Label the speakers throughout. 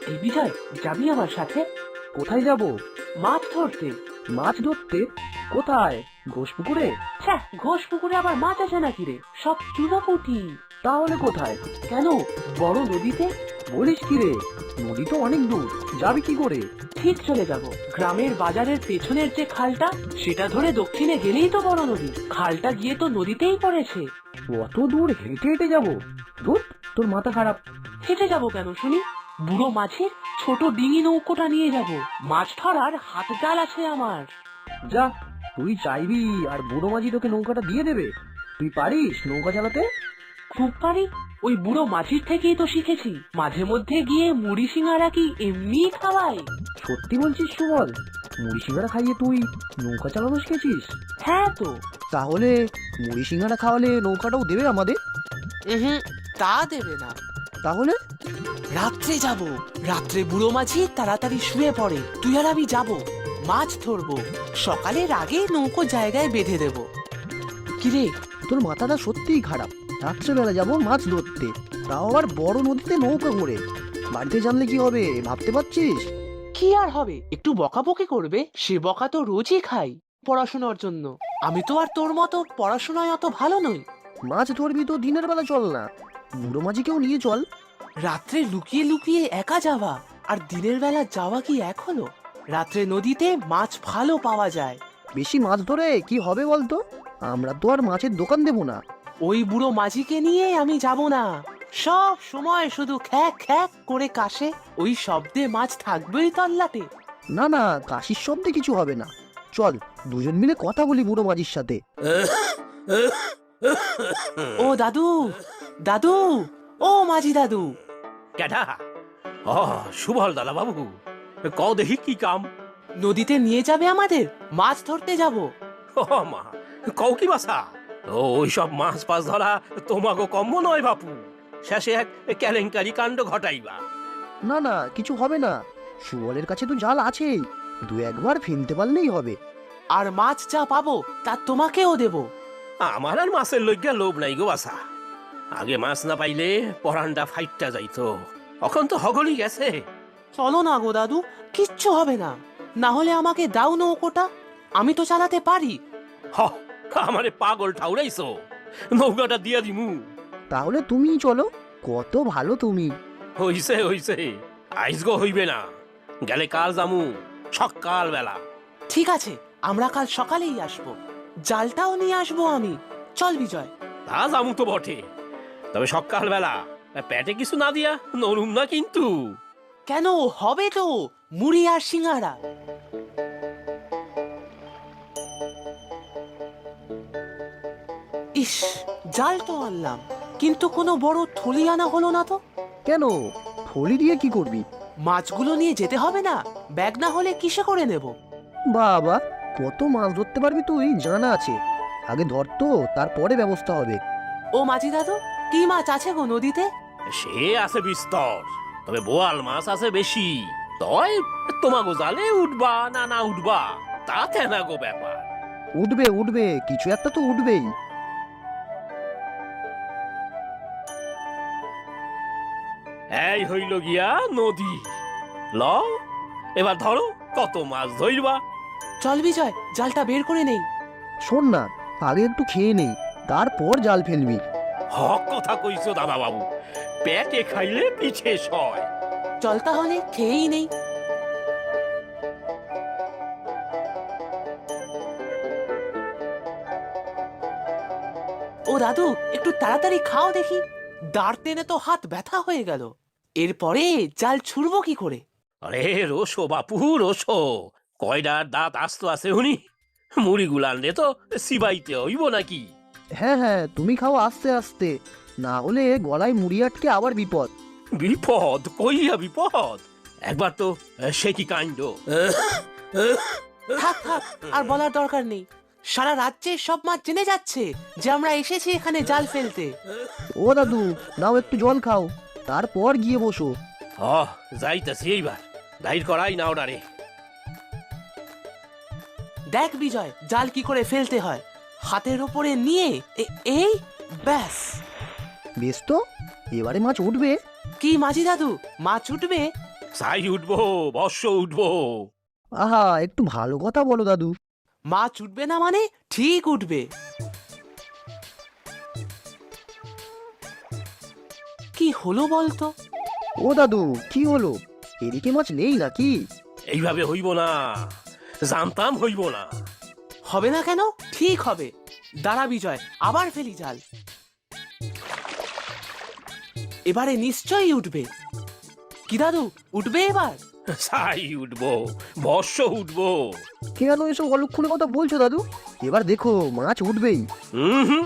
Speaker 1: এই বিজয়, যাবি আমার সাথে?
Speaker 2: কোথায় যাব?
Speaker 1: মাছ ধরতে।
Speaker 2: মাছ ধরতে? কোথায়? ঘোষ পুকুরে?
Speaker 1: ছ্যাঃ, ঘোষ পুকুরে আবার মাছ আছে নাকি রে? সব চুনোপুঁটি।
Speaker 2: তাহলে কোথায়?
Speaker 1: কেন, বড় নদীতে।
Speaker 2: বলিস কি রে? নদী তো অনেক দূর, যাবি কি করে?
Speaker 1: ঠিক চলে যাব। গ্রামের বাজারের পেছনের যে খালটা, সেটা ধরে দক্ষিণে গেলেই তো বড় নদী। খালটা গিয়ে তো নদীতেই পড়েছে।
Speaker 2: অত দূর হেঁটে হেঁটে যাবো? ধুর, তোর মাথা খারাপ।
Speaker 1: হেঁটে যাব কেন শুনি? বুড়ো মাছের ছোট ডিঙি নৌকোটা নিয়ে যাব। মাছ ধরার হাত জাল আছে আমার।
Speaker 2: যা, তুই চাইবি আর বুড়ো মাঝি তোকে নৌকাটা দিয়ে দেবে? তুই পারিস নৌকা চালাতে?
Speaker 1: খুব পারি। ওই বুড়ো মাঝির থেকেই তো শিখেছি। মাঝে মধ্যে গিয়ে মুড়ি সিঙ্গারা কি এমনি খাওয়ায়?
Speaker 2: সত্যি বলছিস সুবল? মুড়ি সিঙ্গারা খাইয়ে তুই নৌকা চালানো শিখেছিস?
Speaker 1: হ্যাঁ তো।
Speaker 2: তাহলে মুড়ি সিঙ্গারা খাওয়ালে নৌকাটাও দেবে আমাদের?
Speaker 1: তা দেবে না।
Speaker 2: তাহলে?
Speaker 1: রাত্রে যাব। রাত্রে বুড়ো মাঝি তাড়াতাড়ি শুয়ে পড়ে, তুই আর আমি যাব, মাছ ধরবো। সকালের আগে নৌকো জায়গায় বেঁধে দেব।
Speaker 2: কিরে, তোর মাথাটা সত্যিই খারাপ। রাত্রেবেলা যাবো মাছ ধরতে, তাও আবার বড় নদীতে নৌকা করে। বাড়িতে জানলে কি হবে ভাবতে পারছিস?
Speaker 1: কি আর হবে, একটু বকাবকি করবে। সে বকা তো রোজই খাই পড়াশোনার জন্য। আমি তো আর তোর মতো পড়াশোনায় অত ভালো নই।
Speaker 2: মাছ ধরবি তো দিনের বেলা চল না, বুড়ো মাঝিকেও নিয়ে চল।
Speaker 1: রাত্রে লুকিয়ে লুকিয়ে একা যাওয়া আর দিনের বেলা যাওয়া কি এক হলো? রাত্রে নদীতে মাছ ভালো পাওয়া যায়।
Speaker 2: বেশি মাছ ধরে কি হবে বলতো? আমরা তো আর মাছের দোকান দেবো না।
Speaker 1: ওই বুড়ো মাঝিকে নিয়ে আমি যাব না। সব সময় শুধু খ্যাক খ্যাক করে কাশে, ওই শব্দে মাছ থাকবেই তল্লাটে।
Speaker 2: না না, কাশির শব্দে কিছু হবে না। চল দুজন মিলে কথা বলি বুড়ো মাঝির সাথে।
Speaker 1: ও দাদু, দাদু, ও মাঝি দাদু।
Speaker 3: কেডা? ও সুবল দাদা বাবু, কও দেখি কি কাম?
Speaker 1: নদীতে নিয়ে যাবে আমাদের? মাছ ধরতে যাব।
Speaker 3: ও মা, কও কি বাসা? ও ওইসব মাছ পাছ ধরা তোমাকে কম্ম নয় বাপু। শেষে এক কেলেঙ্কারি কাণ্ড ঘটাইবা।
Speaker 2: না না, কিছু হবে না। সুবলের কাছে তো জাল আছেই, দু একবার ফেলতে পারলেই হবে।
Speaker 1: আর মাছ যা পাবো তা তোমাকেও দেব।
Speaker 3: আমার আর মাছের লইগা লোভ নাই গো বাসা। আগে মাছ না পাইলে পরানটা ফাইটটা যাইতো, এখন তো হগলি গেছে।
Speaker 1: চলো না গো দাদু, কিচ্ছু হবে না। না হলে আমাকে দাও নৌকোটা, আমি তো চালাতে পারি।
Speaker 3: হ, আমারে পাগল ঠাউরাইছো, নৌকাটা দিয়া দিমু।
Speaker 2: তাহলে তুমিই চলো, কত ভালো তুমি।
Speaker 3: হইছে হইছে, আইজ গো হইবে না, গেলে কাল জামু সকাল বেলা।
Speaker 1: ঠিক আছে, আমরা কাল সকালেই আসবো। জালটাও নিয়ে আসবো আমি। চল বিজয়।
Speaker 3: তা জামু তো বটে, তবে সকাল বেলা পেটে কিছু না দিয়া নরুম না কিন্তু।
Speaker 1: কেন, হবে তো, মুড়ি আর সিঙ্গারা। ইস, জাল তো আনলাম, কিন্তু কোনো বড় থলি আনা হলো না তো।
Speaker 2: কেন, থলি দিয়ে কি করবি?
Speaker 1: মাছগুলো নিয়ে যেতে হবে না? ব্যাগ না হলে কিসে করে নেব?
Speaker 2: বাবা, কত মাছ ধরতে পারবি তুই জানা আছে। আগে ধর তো, তারপরে ব্যবস্থা হবে।
Speaker 1: ও মাঝি দাদু, কি মাছ আছে গো নদীতে?
Speaker 3: সে আছে বিস্তর, তবে বোয়াল মাছ আছে বেশি। তয় তোমাগো জালে উঠবা না না উঠবা তাতে না গো ব্যাপার।
Speaker 2: উঠবে উঠবে, কিছু একটা তো উঠবেই।
Speaker 3: এই হইল গিয়া নদী। ল, এবার ধরো কত মাছ ধরবা।
Speaker 1: চল বিজয়, জালটা বের করে নেই।
Speaker 2: শোন না, আগে একটু খেয়ে নেই, তারপর জাল ফেলবি।
Speaker 3: হক কথা কইছো দাদা বাবু, পেটে খাইলে পিছে সয়।
Speaker 1: চল তাহলে খেয়েই নেই। ও দাদু, একটু তাড়াতাড়ি খাও দেখি। দাঁড় টেনে তো হাত ব্যথা হয়ে গেল। এরপরে জাল ছুড়বো কি করে?
Speaker 3: আরে রোসো বাপু রোসো, কয়ডার দাঁত আস্ত আছে উনি। মুড়ি গুলানলে তো সিবাইতে হইব নাকি?
Speaker 2: হ্যাঁ হ্যাঁ, তুমি খাও আস্তে আস্তে, না হলে গলায় মুড়ি আটকে আবার বিপদ।
Speaker 3: বিপদ কইয়া বিপদ, একবার তো সে কি কাণ্ড।
Speaker 1: থাক থাক, আর বলার দরকার নেই। সারা রাজ্যে সব মাছ জেনে যাচ্ছে যে আমরা এসেছি এখানে জাল ফেলতে।
Speaker 2: ও দাদু, নাও একটু জল খাও, তারপর গিয়ে বসো।
Speaker 3: যাইতাছি এইবার, দাইর করাই না ওনারে।
Speaker 1: দেখ বিজয়, জাল কি করে ফেলতে হয়। হাতের উপরে নিয়ে এই ব্যাস।
Speaker 2: বেশ তো, এবারে মাছ উঠবে।
Speaker 1: কি মাঝি দাদু, মাছ উঠবে?
Speaker 3: সাই উঠবো, বর্ষ উঠবো।
Speaker 2: আহা, একটু ভালো কথা বলো দাদু।
Speaker 1: মাছ উঠবে না মানে ঠিক উঠবে। কি হলো বলতো?
Speaker 2: ও দাদু, কি হলো? এদিকে মাছ নেই নাকি?
Speaker 3: এইভাবে হইব না, জানতাম হইব না।
Speaker 1: হবে না কেন? ঠিক হবে। দাঁড়া বিজয়, আবার ফেলি জাল। এবারে নিশ্চয়ই উঠবে। কি দাদু, উঠবে এবার?
Speaker 3: সাই উঠবো, বর্ষ উঠবো।
Speaker 2: কেন এসব অলক্ষণে কথা বলছো দাদু? এবার দেখো মাছ উঠবেই।
Speaker 3: হুম।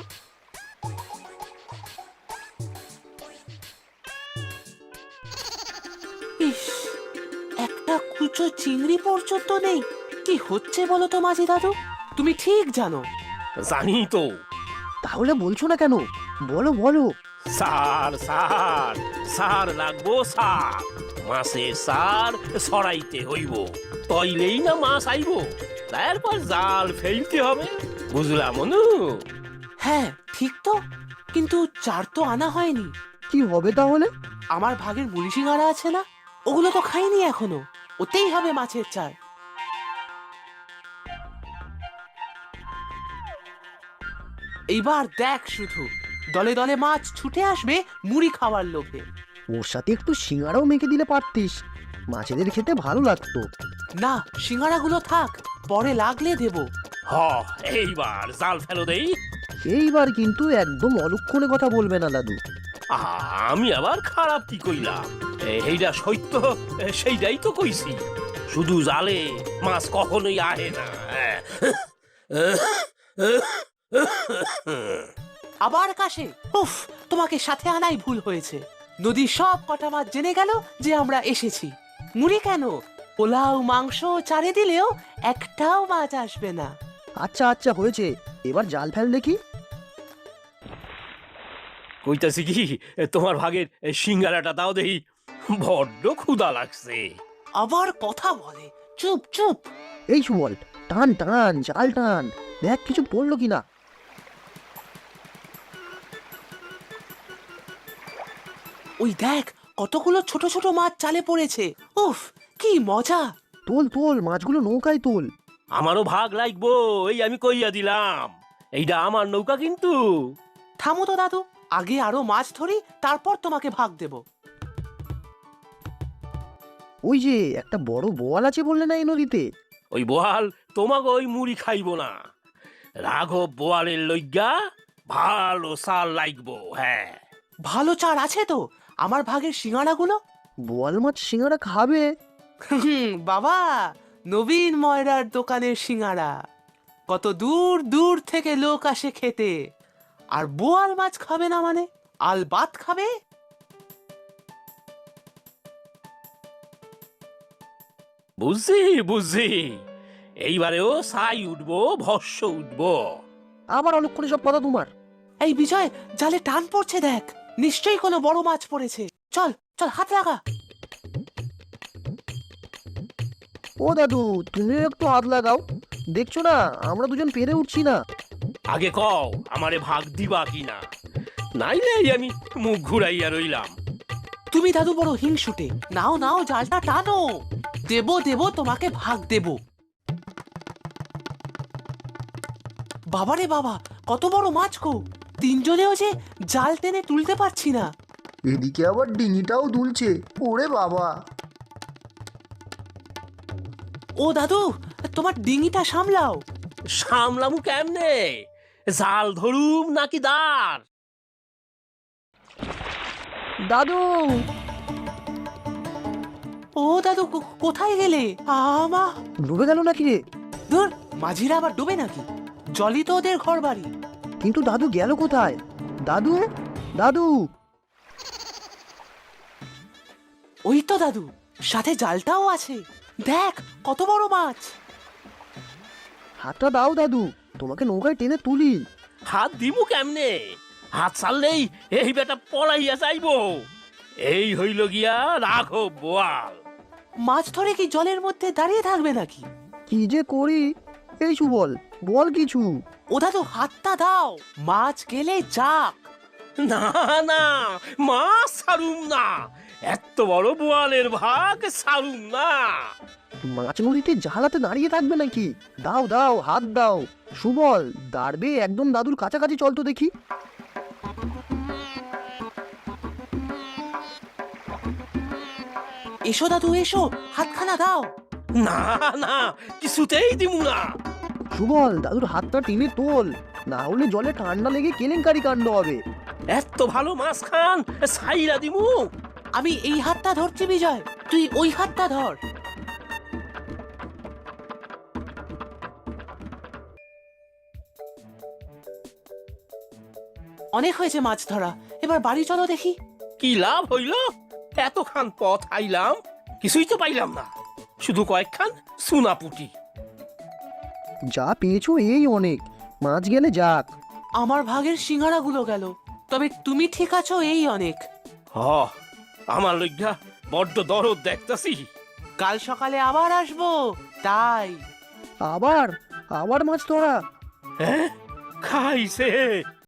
Speaker 1: ইস, একটা কুচো চিংড়ি পর্যন্ত নেই। কি হচ্ছে বলো তো মাঝি দাদু? তুমি ঠিক জানো।
Speaker 3: জানি তো।
Speaker 2: তাহলে বলছো না কেন? বলো বলো।
Speaker 3: সার সার সার লাগবো, সার। মাছের সার ছড়াইতে হইব, তইলেই না মাছ আইব। তারপর জাল ফেলতে হবে, বুঝলাম অনু?
Speaker 1: হ্যাঁ ঠিক তো, কিন্তু চার তো আনা হয়নি।
Speaker 2: কি হবে তাহলে?
Speaker 1: আমার ভাগের মুড়ি সিঙ্গারা আছে না, ওগুলো তো খাইনি এখনো। ওতেই হবে মাছের চার। এইবার দেখ শুধু, দলে দলে মাছ ছুটে আসবে মুড়ি খাওয়ার লোভে।
Speaker 2: ওর সাথে একটু সিঙ্গারাও মেখে দিলে পারতিস, মাছেদের খেতে ভালো লাগতো।
Speaker 1: না, সিঙ্গারাগুলো থাক, পরে লাগলে দেব।
Speaker 3: হ, এইবার জাল ফেলো দেই।
Speaker 2: এইবার কিন্তু একদম অলক্ষণে কথা বলবে না দাদু।
Speaker 3: আমি আবার খারাপ কি কইলাম? এইটা সত্য, সেইটাই তো কইছি। শুধু জালে মাছ কখনোই আহে না।
Speaker 1: আবার কাশে? উফ, তোমাকে সাথে আনাই ভুল হয়েছে। নদীর সব কটা মাছ জেনে গেল যে আমরা এসেছি। মুড়ি কেন, পোলাও মাংস চারে দিলেও একটাও মাছ আসবে না।
Speaker 2: আচ্ছা আচ্ছা হয়েছে, এবার জাল ফেল দেখি।
Speaker 3: কইতাছি কি, তোমার ভাগের সিঙ্গারাটা দাও দেই, বড্ড ক্ষুধা লাগছে।
Speaker 1: আবার কথা বলে, চুপ চুপ।
Speaker 2: এই সুবল, টান টান জাল টান, দেখ কিছু পড়লো কিনা।
Speaker 1: ওই দেখ, কতগুলো ছোট ছোট মাছ চালে পড়েছে। উফ, কি মজা।
Speaker 2: তোল তোল, মাছগুলো নৌকায় তোল।
Speaker 3: আমারও ভাগ লাগবো, এই আমি কইয়া দিলাম। এইটা আমার নৌকা কিন্তু।
Speaker 1: থামো তো দাদু, আগে আরো মাছ ধরি, তারপর তোমাকে ভাগ দেব।
Speaker 2: ওই যে একটা বড় বোয়াল আছে বললে না এই নদীতে?
Speaker 3: ওই বোয়াল তোমাকে ওই মুড়ি খাইব না। রাঘব বোয়ালের লইগা ভালো সাল লাগবো। হ্যাঁ,
Speaker 1: ভালো চার আছে তো? আমার ভাগের সিঙ্গাড়াগুলো?
Speaker 2: বোয়াল মাছ সিঙ্গারা খাবে?
Speaker 1: বাবা, নবীন ময়রার দোকানের সিঙ্গাড়া। কত দূর দূর থেকে লোক আসে খেতে, আর বোয়াল মাছ খাবে না মানে? আলবাত খাবে।
Speaker 3: বুঝছি বুঝছি। এইবারেও সাই উঠবো, ভস্য উঠবো।
Speaker 2: আবার অলক্ষণে সব কথা তোমার।
Speaker 1: এই বিজয়, জালে টান পড়ছে দেখ, নিশ্চয়ই কোনো বড় মাছ পড়েছে। চল চল, হাত লাগা।
Speaker 2: ও দাদু, তুমিও একটু হাত লাগাও। দেখছো না আমরা দুজন পেরে উঠছি না।
Speaker 3: আগে কও আমারে ভাগ দিবা কিনা, নাইলে আমি মুখ ঘুরাইয়া রইলাম।
Speaker 1: তুমি দাদু বড় হিংসুটে। নাও নাও, জালটা টানো। দেব দেব, তোমাকে ভাগ দেব। বাবারে বাবা, কত বড় মাছ গো! তিনজনেও যে জাল টেনে তুলতে পারছি না।
Speaker 2: এদিকে আবার ডিঙিটাও দুলছে, ওরে বাবা।
Speaker 1: ও দাদু, তোমার ডিঙিটা সামলাও।
Speaker 3: সামলামু কেমনে? জাল ধরুম নাকি দাঁড়?
Speaker 2: দাদু,
Speaker 1: ও দাদু, কোথায় গেলে? আমা
Speaker 2: ডুবে গেল নাকি রে?
Speaker 1: ধুর, মাঝিরা আবার ডুবে নাকি? জলই তো ওদের ঘর বাড়ি।
Speaker 2: কিন্তু দাদু গেল কোথায়? দাদু, দাদু।
Speaker 1: ওই তো দাদু, সাথে জালটাও আছে। দেখ কত বড় মাছ।
Speaker 2: হাতটা দাও দাদু, তোমাকে নৌকায় টেনে তুলি।
Speaker 3: হাত দিমু কেমনে? হাত ছাড়লেই এই বেটা পলাইয়া যাইবো। এই হইল গিয়া রাঘব বোয়াল।
Speaker 1: মাছ ধরে কি জলের মধ্যে দাঁড়িয়ে থাকবে নাকি?
Speaker 2: কি যে করি? এই সুবল, বল কিছু।
Speaker 1: ও দাদু, হাতটা দাও, মাছ গেলে যাক।
Speaker 3: না না, মাছ ছাড়ুম না। এত বড় বোয়ালের ভাগ সারুম না।
Speaker 2: মাছ নদীতে জাহালাতে দাঁড়িয়ে থাকবে নাকি? দাও দাও, হাত দাও। সুবল, দাঁড়বে একদম দাদুর কাছাকাছি চল তো দেখি।
Speaker 1: এসো দাদু এসো, হাতখানা দাও।
Speaker 3: না না, কিছুতেই দিমু না।
Speaker 2: সুবল, দাদুর হাতটা টেনে তোল, না হলে জলে ঠান্ডা লেগে কেলেঙ্কারি কাণ্ড হবে।
Speaker 3: এত ভালো মাছ খান, সাইরা দিমু।
Speaker 1: আমি এই হাতটা ধরছি বিজয়, তুই ওই হাতটা ধর। অনেক হয়েছে মাছ ধরা, এবার বাড়ি চলো দেখি।
Speaker 3: কি লাভ হইল? এতখান পথ আইলাম, কিছুই তো পাইলাম না, শুধু কয়েকখান সুনাপুটি।
Speaker 2: যা পেয়েছো এই অনেক, মাছ গেলে যাক।
Speaker 1: আমার ভাগের সিঙ্গারাগুলো গেল, তবে তুমি ঠিক আছো এই অনেক।
Speaker 3: হ, আমার লজ্ঞা বড্ড দরদ দেখতাছি।
Speaker 1: কাল সকালে আবার আসবো, তাই।
Speaker 2: আবার আবার মাছ ধরা?
Speaker 3: হ্যাঁ, খাইছে।